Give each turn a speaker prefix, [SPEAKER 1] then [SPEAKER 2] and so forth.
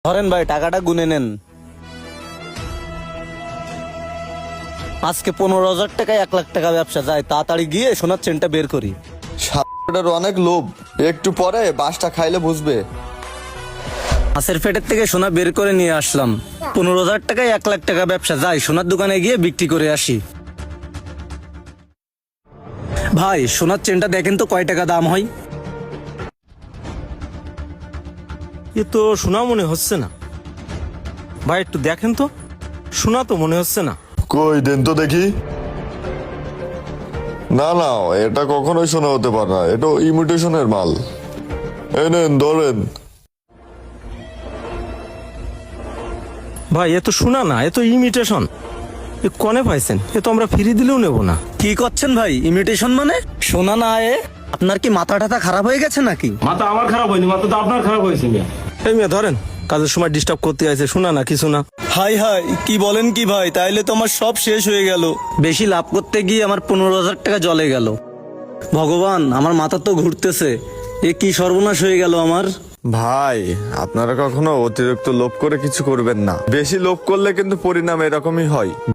[SPEAKER 1] ধরেন ভাই, টাকাটা গুনে নেন। আজকে 15,000 টাকায় 1 লাখ টাকা ব্যবসা যায়। তাড়াতাড়ি গিয়ে সোনার চেনটা বের করি।
[SPEAKER 2] শালাটার অনেক লোভ, একটু পরে বাসটা খাইলে বুঝবে।
[SPEAKER 1] মাছের পেটের থেকে সোনা বের করে নিয়ে আসলাম। 15,000 টাকায় 1 লাখ টাকা ব্যবসা যায়। সোনার দোকানে গিয়ে বিক্রি করে আসি। ভাই, সোনার চেনটা দেখেন তো কয় টাকা দাম হয়।
[SPEAKER 3] এ তো শোনা মনে হচ্ছে না। ভাই একটু দেখেন তো, শোনা তো মনে হচ্ছে না।
[SPEAKER 2] কই দেন তো দেখি। না না, এটা কখনোই শোনা হতে পারে না, এটা ইমিটেশনের মাল। এই নেন ধরেন।
[SPEAKER 3] ভাই এ তো শোনা না, এ তো ইমিটেশন। এ কনে পাইছেন? এ তো আমরা ফ্রি দিলেও নেব না।
[SPEAKER 1] কি করছেন ভাই? ইমিটেশন মানে সোনা না? আপনার কি মাথা টাথা খারাপ হয়ে গেছে নাকি?
[SPEAKER 4] মাথা আমার খারাপ হয়নি, মাথা তো আপনার খারাপ হয়েছে মিয়া।
[SPEAKER 3] এই মেয়ে ধরেন, কাজের সময় ডিস্টার্ব করতে আছে, শোনা না কিছু না।
[SPEAKER 1] হাই হাই, কি বলেন কি ভাই? তাইলে তো আমার সব শেষ হয়ে গেল। বেশি লাভ করতে গিয়ে আমার 15,000 টাকা জলে গেল। ভগবান, আমার মাথা তো ঘুরতেছে। এ কি সর্বনাশ হয়ে গেল আমার।
[SPEAKER 2] ভাই, আপনারা কখনো অতিরিক্ত লোভ করে কিছু করবেন না। বেশি লোভ করলে কিন্তু পরিণাম এরকমই হয়।